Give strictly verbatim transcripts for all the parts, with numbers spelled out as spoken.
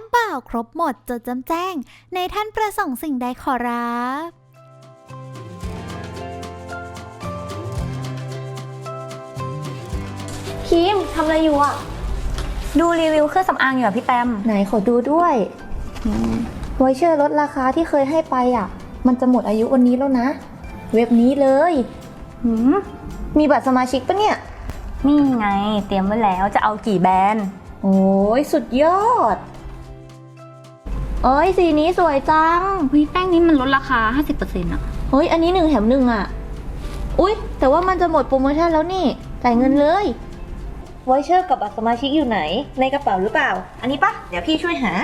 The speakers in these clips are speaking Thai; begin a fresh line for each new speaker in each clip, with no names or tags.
เปล่าครบหมดจดจำแจ้งในท่านประสงค์สิ่งใดขอรับ
คิมทำอะไรอยู่อ่ะ
ดูรีวิวเครื่องสำอางอยู่อะพี่แปม
ไหนขอดูด้วยไวเชอร์ลดราคาที่เคยให้ไปอ่ะมันจะหมดอายุวันนี้แล้วนะเว็บนี้เลย
หืม
มีบัตรสมาชิกปะเนี่ย
นี่ไงเตรียมไว้แล้วจะเอากี่แบรนด์
โอ้ยสุดยอดเอ้ยสีนี้สวยจัง
วิแป้งนี้มันลดราคา ห้าสิบเปอร์เซ็นต์ อ่ะ
เฮ้ยอันนี้หนึ่งแถมหนึ่งอ่ะอุ๊ยแต่ว่ามันจะหมดโปรโมชั่นแล้วนี่จ่ายเงินเลยไวเชอร์กับบัตรสมาชิกอยู่ไหนในกระเป๋าหรือเปล่าอันนี้ปะเดี๋ยวพี่ช่วยหา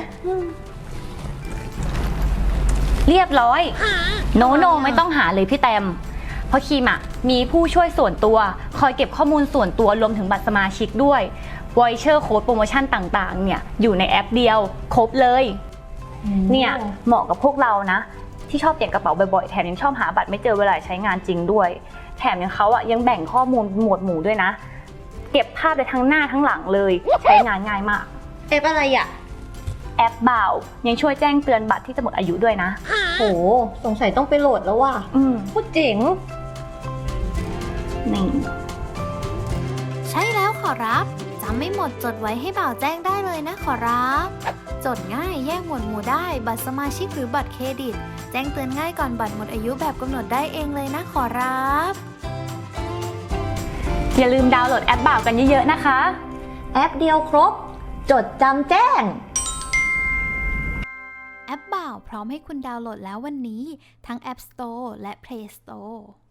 เรียบร้อยโนโนไม่ต้องหาเลยพี่แตมเพราะคิมอ่ะมีผู้ช่วยส่วนตัวคอยเก็บข้อมูลส่วนตัวรวมถึงบัตรสมาชิกด้วยวอยเชอร์โค้ดโปรโมชั่นต่างๆเนี่ยอยู่ในแอปเดียวครบเลยเนี่ยเหมาะกับพวกเรานะที่ชอบเปลี่ยนกระเป๋าบ่อยๆแถมยังชอบหาบัตรไม่เจอเวลาใช้งานจริงด้วยแถมยังเขาอ่ะยังแบ่งข้อมูลหมวดหมู่ด้วยนะเก็บภาพได้ทั้งหน้าทั้งหลังเลยใช้งานง่ายมาก
แอปอะไรอ่ะ
แอปบ่าวยังช่วยแจ้งเตือนบัตรที่จะหมดอายุด้วยนะ
โหสงสัยต้องไปโหลดแล้วว่ะ
อืม
พูดเจ๋ง
นี่
ใช่แล้วขอรับจำไม่หมดจดไว้ให้บ่าวแจ้งได้เลยนะขอรับจดง่ายแยกหมวดหมู่ได้บัตรสมาชิกหรือบัตรเครดิตแจ้งเตือนง่ายก่อนบัตรหมดอายุแบบกำหนดได้เองเลยนะขอรับ
อย่าลืมดาวน์โหลดแอปบ่าวกันเยอะๆนะคะ
แอปเดียวครบจดจำแจ้ง
แอปบ่าวพร้อมให้คุณดาวน์โหลดแล้ววันนี้ทั้ง App Store และ Play Store